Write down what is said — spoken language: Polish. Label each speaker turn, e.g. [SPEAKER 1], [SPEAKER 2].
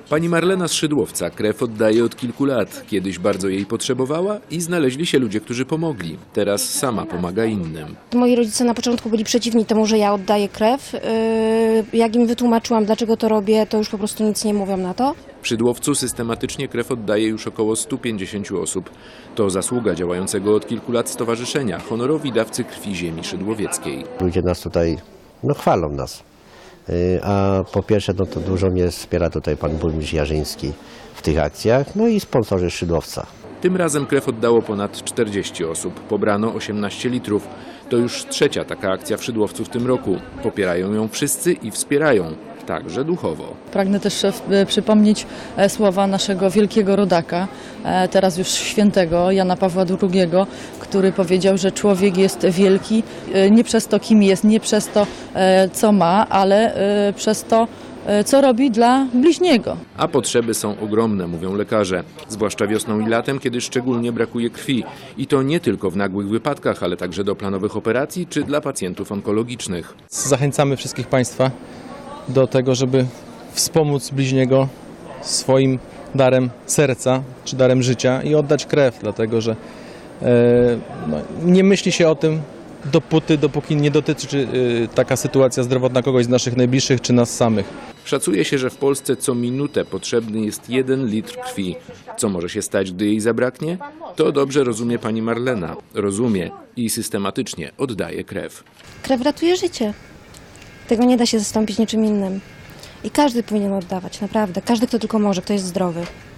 [SPEAKER 1] Pani Marlena z Szydłowca krew oddaje od kilku lat. Kiedyś bardzo jej potrzebowała i znaleźli się ludzie, którzy pomogli. Teraz sama pomaga innym.
[SPEAKER 2] Moi rodzice na początku byli przeciwni temu, że ja oddaję krew. Jak im wytłumaczyłam, dlaczego to robię, to już po prostu nic nie mówią na to.
[SPEAKER 1] W Szydłowcu systematycznie krew oddaje już około 150 osób. To zasługa działającego od kilku lat stowarzyszenia Honorowi Dawcy Krwi Ziemi Szydłowieckiej.
[SPEAKER 3] Ludzie nas tutaj chwalą nas. A po pierwsze, to dużo mnie wspiera tutaj pan burmistrz Jarzyński w tych akcjach, no i sponsorzy Szydłowca.
[SPEAKER 1] Tym razem krew oddało ponad 40 osób. Pobrano 18 litrów. To już trzecia taka akcja w Szydłowcu w tym roku. Popierają ją wszyscy i wspierają, także duchowo.
[SPEAKER 4] Pragnę też przypomnieć słowa naszego wielkiego rodaka, teraz już świętego Jana Pawła II, który powiedział, że człowiek jest wielki nie przez to, kim jest, nie przez to, co ma, ale przez to, co robi dla bliźniego.
[SPEAKER 1] A potrzeby są ogromne, mówią lekarze. Zwłaszcza wiosną i latem, kiedy szczególnie brakuje krwi. I to nie tylko w nagłych wypadkach, ale także do planowych operacji czy dla pacjentów onkologicznych.
[SPEAKER 5] Zachęcamy wszystkich Państwa do tego, żeby wspomóc bliźniego swoim darem serca czy darem życia i oddać krew, dlatego że nie myśli się o tym dopóki nie dotyczy taka sytuacja zdrowotna kogoś z naszych najbliższych czy nas samych.
[SPEAKER 1] Szacuje się, że w Polsce co minutę potrzebny jest 1 litr krwi. Co może się stać, gdy jej zabraknie? To dobrze rozumie pani Marlena. Rozumie i systematycznie oddaje krew.
[SPEAKER 2] Krew ratuje życie. Tego nie da się zastąpić niczym innym. I każdy powinien oddawać, naprawdę. Każdy, kto tylko może, kto jest zdrowy.